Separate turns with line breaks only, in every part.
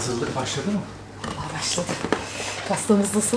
Hazırlık başladı mı?
Aa, başladı. Pastamız nasıl?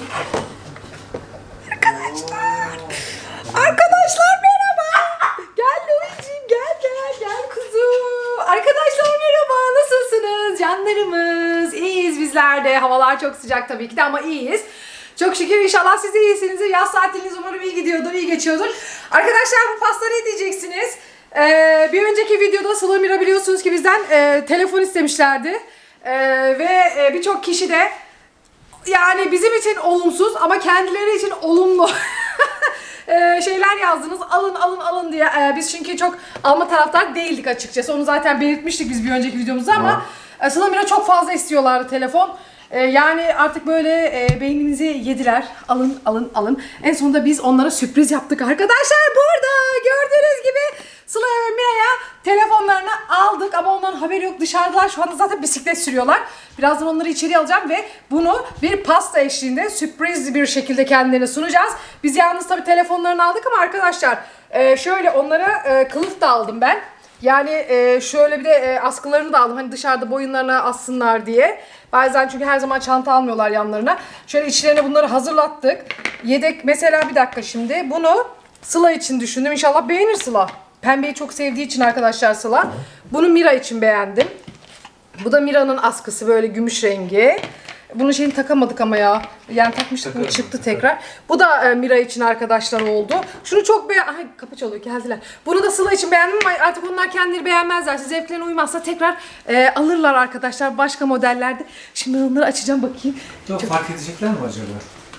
Arkadaşlar merhaba. Gel Louis'ciğim gel kuzum. Arkadaşlar merhaba, nasılsınız? Canlarımız. İyiyiz bizler de. Havalar çok sıcak tabii ki de ama iyiyiz. Çok şükür, inşallah siz de iyisinizdir. Yaz tatiliniz umarım iyi gidiyordur, iyi geçiyordur. Arkadaşlar bu pasta ne diyeceksiniz? Bir önceki videoda Sıla Mira biliyorsunuz ki bizden telefon istemişlerdi. Ve birçok kişi de yani bizim için olumsuz ama kendileri için olumlu şeyler yazdınız. Alın diye. Biz çünkü çok alma taraftar değildik açıkçası. Onu zaten belirtmiştik biz bir önceki videomuzda ama Sıla Mira çok fazla istiyorlardı telefon. Yani artık böyle beyninizi yediler. Alın. En sonunda biz onlara sürpriz yaptık arkadaşlar. Burada gördüğünüz gibi Sıla ve Mira'ya telefonlarını aldık ama onların haberi yok, dışarıdalar. Şu anda zaten bisiklet sürüyorlar. Birazdan onları içeri alacağım ve bunu bir pasta eşliğinde sürpriz bir şekilde kendilerine sunacağız. Biz yalnız tabii telefonlarını aldık ama arkadaşlar şöyle onlara kılıf da aldım ben. Yani şöyle bir de askılarını da aldım. Hani dışarıda boyunlarına assınlar diye. Bazen çünkü her zaman çanta almıyorlar yanlarına. Şöyle içlerine bunları hazırlattık. Yedek mesela, bir dakika şimdi. Bunu Sıla için düşündüm. İnşallah beğenir Sıla. Pembeyi çok sevdiği için arkadaşlar Sıla. Bunu Mira için beğendim. Bu da Mira'nın askısı, böyle gümüş rengi. Bunun şeyini takamadık ama ya. Yani takmıştık, bunu çıktı tekrar. Bu da Mira için arkadaşlar oldu. Şunu çok Ay, kapı çalıyor, geldiler. Bunu da Sıla için beğendim ama artık onlar kendileri beğenmezler. Zevklerine uymazsa tekrar alırlar arkadaşlar başka modellerde. Şimdi onları açacağım, bakayım.
Yok, fark edecekler mi acaba?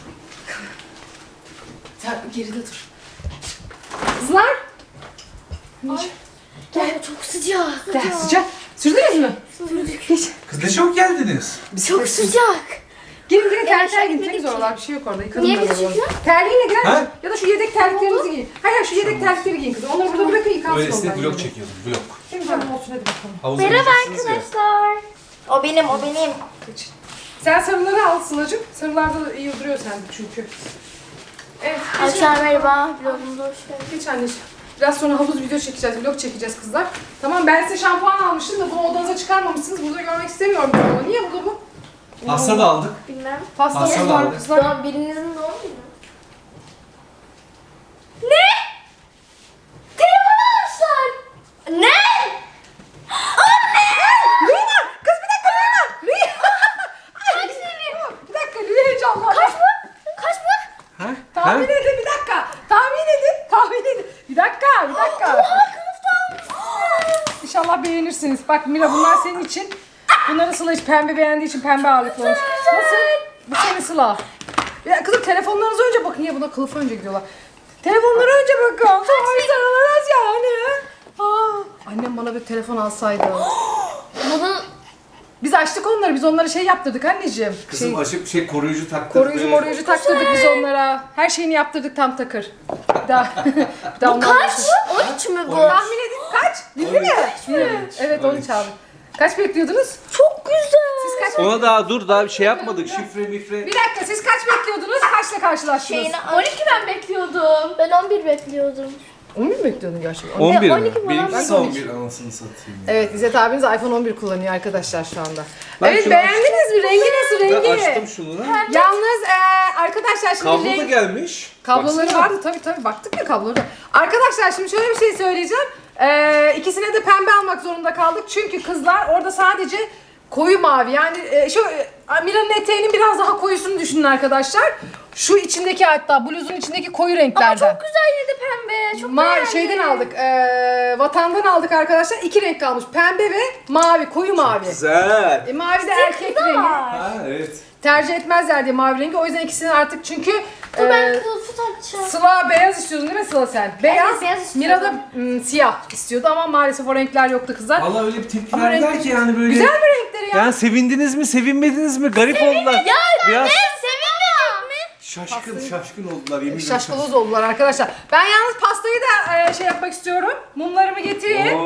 Sen geride dur. Kızlar.
Ay, gel, çok sıcak.
Gel, sıcak. Sürdünüz mü?
Sürdük.
Geç.
Kız ne çok geldiniz.
Çok sıcak.
Girin terlikler giyin. Temiz oralar, bir şey yok orada. Yıkadın
Niye
ben
küçük
oraları.
ya?
Terliğiyle girer
Ha?
misin? Ya da şu yedek terliklerinizi giyin. Hayır, şu yedek terlikleri giyin kızım. Onları burada bırakın, yıkansın onlar.
Öylesine vlog
yani.
çekiyordum, vlog.
Temiz hanım olsun, hadi bakalım.
Havuza
Merhaba
gireceksiniz ya.
arkadaşlar. O benim.
Geç. Sen sarıları al Sıla'cığım. Sarılarda da iyi duruyor sende çünkü. Evet.
Arkadaşlar merhaba. Vlogumuza hoş geldiniz.
Geç anneciğim. Biraz sonra havuz video çekeceğiz, vlog çekeceğiz kızlar. Tamam, ben size şampuan almıştım da bunu odanıza çıkarmamışsınız. Burada görmek istemiyorum ben onu. Niye burada bu?
Pasta da aldık.
Bilmem.
Pastamız
Pasta da
var
aldık.
kızlar.
Doğum, birinizin doğum günü. Telefon almışlar. Ne?
Rüya! Kız bir dakika Rüya! Bir dakika Rüya heyecanlandı.
Kaç mı?
Ha?
Tahmin edin, bir dakika. Tahmin edin. Bir dakika. İnşallah beğenirsiniz. Bak Mira, bunlar senin için. Bunları Sıla hiç pembe beğendiği için pembe ağırlıklı olmuş. Nasıl? Bu senin Sıla. Ya kızım, telefonlarınıza önce bakın. Niye buna kılıfa önce gidiyorlar? Telefonlara önce bakın. Sonra sarılırız yani. Annem bana bir telefon alsaydı.
Bunu
Biz açtık onları. Biz onlara şey yaptırdık anneciğim.
Kızım açıp koruyucu taktırdı.
Koruyucu taktırdık biz onlara. Her şeyini yaptırdık tam takır. Bir daha ondan
kaç? 13 mü bu?
Tahmin edin kaç? Bildi mi? Evet, 13 abi. Kaç bekliyordunuz?
Çok güzel.
Siz kaç
Ona daha bir şey yapmadık. Şifre mifre.
Bir dakika, siz kaç bekliyordunuz? Kaçla karşılaştınız?
12 ben bekliyordum. Ben 11 bekliyordum.
11 mi bekliyordun gerçekten?
11
12
mi?
mi?
Benimkisi
Ben de
11 anasını satayım. ya.
Evet, İzzet abiniz iPhone 11 kullanıyor arkadaşlar şu anda.
Ben
Evet,
şunu
beğendiniz mi? Rengi nasıl,
Ben
rengi?
açtım şunu.
Yalnız arkadaşlar şimdi
Kablo da
renk...
gelmiş.
Kabloları
Baksana.
vardı tabii, baktık ya kabloları. Arkadaşlar şimdi şöyle bir şey söyleyeceğim. İkisine de pembe almak zorunda kaldık. Çünkü kızlar orada sadece koyu mavi, yani şu Mira'nın eteğinin biraz daha koyusunu düşünün arkadaşlar. Şu içindeki, hatta bluzun içindeki koyu renklerden.
Ama çok güzel yine de pembe. Çok beğendim.
Şeyden aldık, vatandan aldık arkadaşlar. 2 renk kalmış, pembe ve mavi, koyu mavi.
Güzel.
Mavi de erkek rengi.
Ha evet.
Tercih etmezler diye mavi rengi. O yüzden ikisini artık, çünkü
Ben kılıfı takacağım.
Sıla beyaz istiyordun değil mi Sıla sen? Beyaz,
Evet, beyaz istiyordum.
Mira da siyah istiyordu ama maalesef o renkler yoktu kızlar.
Valla öyle bir tepki
Ama
verdiler
renk-
ki yani böyle.
Güzel mi renkleri ya?
Yani sevindiniz mi, sevinmediniz mi? Garip oldular. Biraz
Sevinmeyecek mi?
şaşkın oldular yemin ederim.
Şaşkaloz oldular arkadaşlar. Ben yalnız pastayı da şey yapmak istiyorum. Mumlarımı getireyim.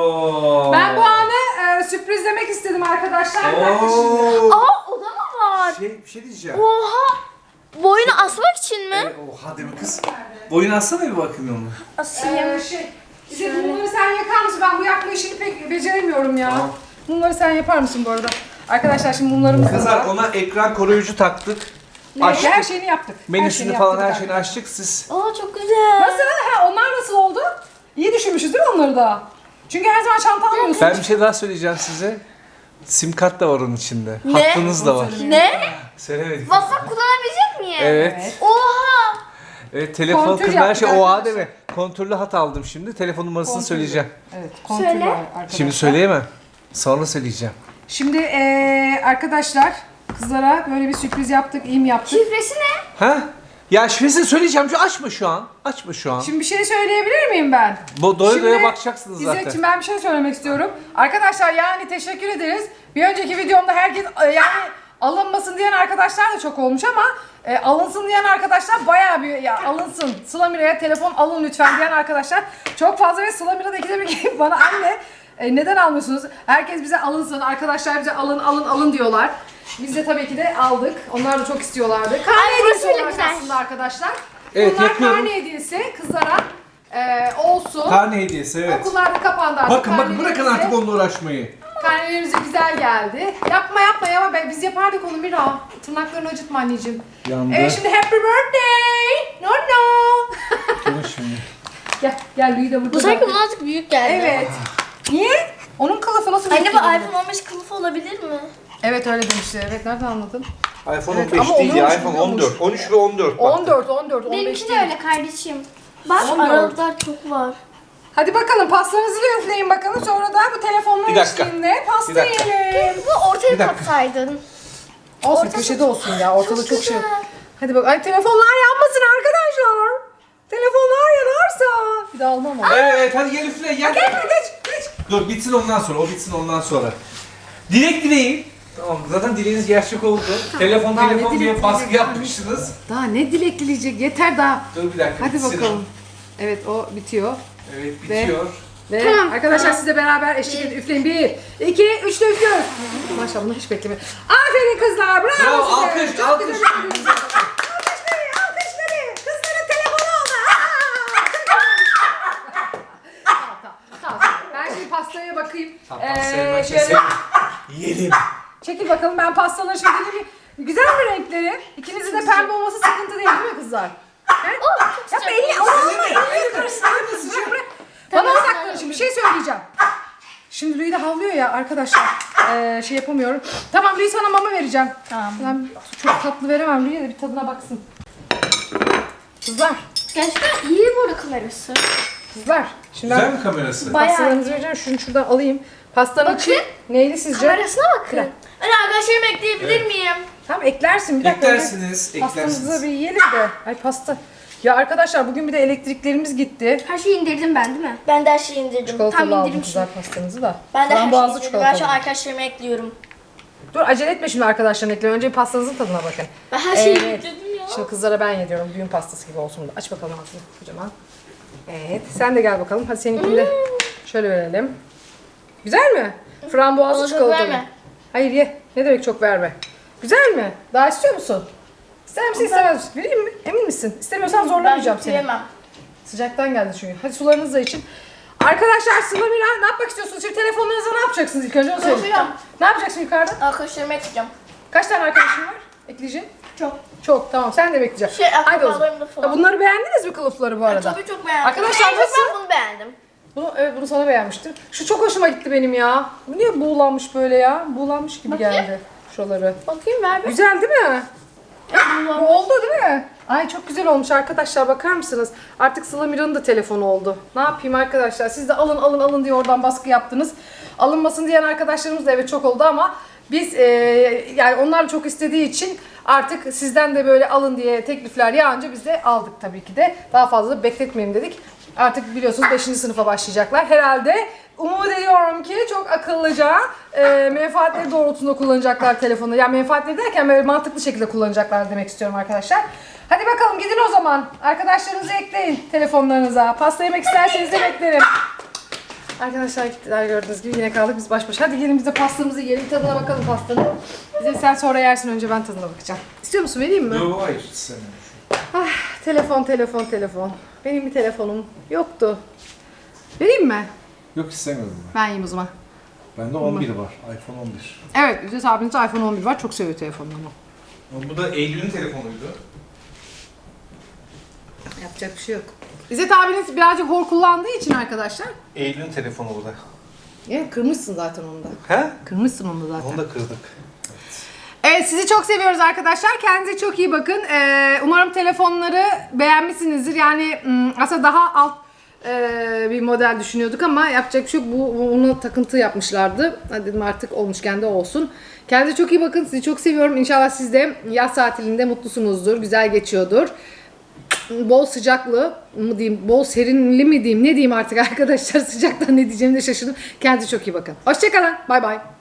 Oo.
Ben bu anı sürprizlemek istedim arkadaşlar. Bir dakika şimdi.
Oo.
Aa, o da mı var?
Bir şey diyeceğim.
Oha. Boyunu asmak için mi?
Oha deme kız. Boyunu atsana bir bakayım onu.
Asayım.
İzzet, mumları sen yakar mısın? Ben bu yakma işini pek beceremiyorum ya.
Tamam.
Mumları sen yapar mısın bu arada? Arkadaşlar şimdi mumlarımız da
Kızlar
var.
ona ekran koruyucu taktık.
Her
Açtık.
şeyini yaptık.
Menüsünü
Her
falan
yaptık
her şeyini
arkadaşlar.
açtık. Siz
Aa çok güzel.
Nasıl? Ha, onlar nasıl oldu? İyi düşünmüşüz değil mi onları da? Çünkü her zaman çanta almıyorsun.
ben bir şey daha söyleyeceğim size. Sim kart da var onun içinde.
Ne?
Hattınız da var.
Ne?
Söylemedik.
WhatsApp kullanabilecek miyim?
Evet.
Oha.
Evet, telefon
Kontür
kızlar her
yaptık
şey OA
arkadaşlar.
değil mi? Kontürlü hat aldım şimdi. Telefon numarasını
Kontürlü.
söyleyeceğim.
Evet, kontürlü
Söyle.
arkadaşlar.
Şimdi söyleyemem. Sonra söyleyeceğim.
Şimdi arkadaşlar kızlara böyle bir sürpriz yaptık, iyi mi yaptık?
Şifresi ne?
Ha? Ya şifresini söyleyeceğim. Açma şu an. Açma şu an.
Şimdi bir şey söyleyebilir miyim ben?
Bu doya
Şimdi
doya bakacaksınız zaten.
İzzetciğim ben bir şey söylemek istiyorum. Arkadaşlar yani teşekkür ederiz. Bir önceki videomda herkes yani alınmasın diyen arkadaşlar da çok olmuş ama alınsın diyen arkadaşlar bayağı bir ya alınsın. Sıla Mira'ya telefon alın lütfen diyen arkadaşlar çok fazla ve Sıla Mira da ikide bir gelip bana anne neden almıyorsunuz? Herkes bize alınsın, arkadaşlar bize alın diyorlar. Biz de tabii ki de aldık. Onlar da çok istiyorlardı. Karne
Ay, burası
hediyesi
bile
olarak
güzel.
aslında arkadaşlar.
Evet,
Bunlar
yapıyorum.
karne hediyesi kızlara olsun.
Karne hediyesi evet.
Okullar da kapandı artık.
Bakın bırakın
Karnelerimize-
artık onunla uğraşmayı.
Karnelerimize güzel geldi. Yapma ya biz yapardık onu Mira. Tırnaklarını acıtma anneciğim.
Yandı.
Evet şimdi happy birthday. No.
Dur şimdi.
Gel Louis de burada.
Bu sanki bana azıcık büyük geldi.
Evet. Niye? Onun kılıfı nasıl
Anne bu
büyük geliyor?
iPhone 15 kılıfı olabilir mi?
Evet öyle demişti. Evet nereden anladın?
iPhone
Evet,
15
ama
değil ya
olurmuş,
iPhone
olurmuş.
14. 13 ve 14 bak.
14, 15
Benimki de
değil.
öyle kardeşim. Bak
14.
aralıklar çok var.
Hadi bakalım pastanızı da üfleyin bakalım. Sonra da bu telefonla
Bir dakika.
eşliğinde pasta
Bir dakika.
yiyelim.
Bu ortaya
Bir dakika.
katsaydın.
Olsun
Ortası-
köşede olsun ya. Ortada çok, şey.
güzel.
Hadi bak. Ay telefonlar yanmasın arkadaşlar. Telefonlar yanarsa. Bir daha almam onu.
Evet hadi gel üfle gel.
Geç.
Dur bitsin ondan sonra. O bitsin ondan sonra. Dilek dileyin. Tamam zaten dileğiniz gerçek oldu. Telefon
Daha ne
diye
dilek
baskı
dileyecek?
yapmışsınız.
Daha ne dilek dileyecek? Yeter daha.
Dur bir dakika.
Hadi
bitsin
bakalım. Evet o bitiyor.
o. Evet bitiyor.
Ve
Tamam,
arkadaşlar siz de beraber eşlik edin. Üfleyin. 1, 2, 3 de üflüyoruz. Maşallah bunu hiç beklemiyorum. Aferin kızlar. Bravo,
Bravo,
size.
alkış,
Çok
alkış.
güzel üflediniz. Alkışları. Kızların telefonu oldu. Tamam. Ben şimdi pastaya bakayım.
Tamam sevmem
Şöyle
sevmem. Yiyelim.
çekil bakalım ben pastaları şöyle bir güzel mi renkleri? İkinizin de pembe olması sıkıntı değil mi kızlar? He?
Çok
Yapma elini, elini karıştırıyorsun. Bırak. Bana odaklanın şimdi bir şey söyleyeceğim. Şimdi Louis de havlıyor ya arkadaşlar. Şey yapamıyorum. Tamam Louis sana mama vereceğim.
Tamam.
Ben çok tatlı veremem. Louis'e de bir tadına baksın. Kızlar.
Gerçekten iyi bu arada kamerası.
Kızlar. Şimdi
Güzel
ben
mi kamerası?
Bayağı
pastalarınızı vereceğim. Şunu şuradan alayım. Pastanın
Bakın.
içi neyli sizce?
Kamerasına bakın.
Güzel.
Anne arkadaşlarımı ekleyebilir miyim?
Tamam eklersin. Bir dakika.
Eklersiniz,
önce Pastamızı
eklersiniz.
bir yiyelim de. Ay pasta. Ya arkadaşlar bugün bir de elektriklerimiz gitti.
Her şeyi indirdim ben değil mi? Ben de her şeyi indirdim.
Çikolatalı
Tam
aldım
indirmişim.
kızlar pastanızı da.
Ben de her şeyi
Frambuazlı
indirdim. Ben şu
çikolatalı.
arkadaşlarıma ekliyorum.
Dur acele etme şimdi arkadaşlarını ekle. Önce pastanızın tadına bakın.
Ben her şeyi
Evet.
yükledim ya.
Şimdi kızlara ben yediyorum. Düğün pastası gibi olsun da. Aç bakalım ağzını kocaman. Evet. Sen de gel bakalım. Hadi seninkini de şöyle verelim. Güzel mi? Frambuazlı
Bana çok
çikolatalı.
verme.
Hayır ye. Ne demek çok verme. Güzel mi? Daha istiyor musun? İster misin istemez misin? Vereyim mi? Emin misin? İstemiyorsan zorlamayacağım
Ben
seni.
yemem.
Sıcaktan geldi çünkü. Hadi sularınızı da için. Arkadaşlar Sıla Mira ne yapmak istiyorsunuz? Şimdi telefonlarınızla ne yapacaksınız ilk önce onu söyleyin.
Konuşacağım.
Ne yapacaksın yukarıda?
Arkadaşlarıma ekleyeceğim.
Kaç tane arkadaşın var? Ekleyeceksin.
Çok.
Çok tamam sen de bekleyeceksin.
Şey,
Haydi o zaman.
akrabalarımda falan.
Bunları beğendiniz mi kılıfları bu arada?
Tabii çok beğendim.
Arkadaşlar
En çok
nasıl?
Ben bunu beğendim.
Evet bunu sana beğenmiştim. Şu çok hoşuma gitti benim ya. Bu niye buğulanmış böyle ya? Buğulanmış gibi
Bakayım.
geldi şuraları.
Bakayım ver bir.
Güzel değil mi?
Buğulanmış.
Bu oldu değil mi? Ay çok güzel olmuş arkadaşlar bakar mısınız? Artık Sıla Mira'nın da telefonu oldu. Ne yapayım arkadaşlar? Siz de alın diye oradan baskı yaptınız. Alınmasın diyen arkadaşlarımız da evet çok oldu ama biz yani onlar çok istediği için artık sizden de böyle alın diye teklifler yağınca biz de aldık tabii ki de. Daha fazla da bekletmeyelim dedik. Artık biliyorsunuz 5. sınıfa başlayacaklar. Herhalde umut ediyorum ki çok akıllıca menfaatleri doğrultusunda kullanacaklar telefonu. Yani menfaatleri derken böyle mantıklı şekilde kullanacaklar demek istiyorum arkadaşlar. Hadi bakalım gidin o zaman. Arkadaşlarınızı ekleyin telefonlarınıza. Pasta yemek isterseniz de beklerim. Arkadaşlar gittiler gördüğünüz gibi yine kaldık biz baş başa. Hadi gelin biz de pastamızı yiyelim tadına bakalım pastanın. Bize sen sonra yersin önce ben tadına bakacağım. İstiyor musun vereyim mi?
Yok hayır istemiyorum.
Telefon. Benim bir telefonum yoktu. Vereyim mi?
Yok istemiyorum
Ben yiyeyim o zaman.
Bende 11 var. iPhone 11.
Evet, İzzet abiniz iPhone 11 var. Çok seviyor telefonunu.
Bu da Eylül'ün telefonuydu.
Yapacak bir şey yok. İzzet abiniz birazcık hor kullandığı için arkadaşlar.
Eylül'ün telefonu bu da.
Ya kırmışsın zaten onu da.
He?
Kırmışsın onu da zaten.
Onu da kırdık.
Evet, sizi çok seviyoruz arkadaşlar. Kendinize çok iyi bakın. Umarım telefonları beğenmişsinizdir. Yani aslında daha alt bir model düşünüyorduk ama yapacak bir şey yok. Bunu takıntı yapmışlardı. Hadi dedim artık olmuşken de olsun. Kendinize çok iyi bakın. Sizi çok seviyorum. İnşallah siz de yaz tatilinde mutlusunuzdur. Güzel geçiyordur. Bol sıcaklı mı diyeyim, bol serinli mi diyeyim, ne diyeyim artık arkadaşlar, sıcaktan ne diyeceğimi de şaşırdım. Kendinize çok iyi bakın. Hoşçakalın. Bay bay.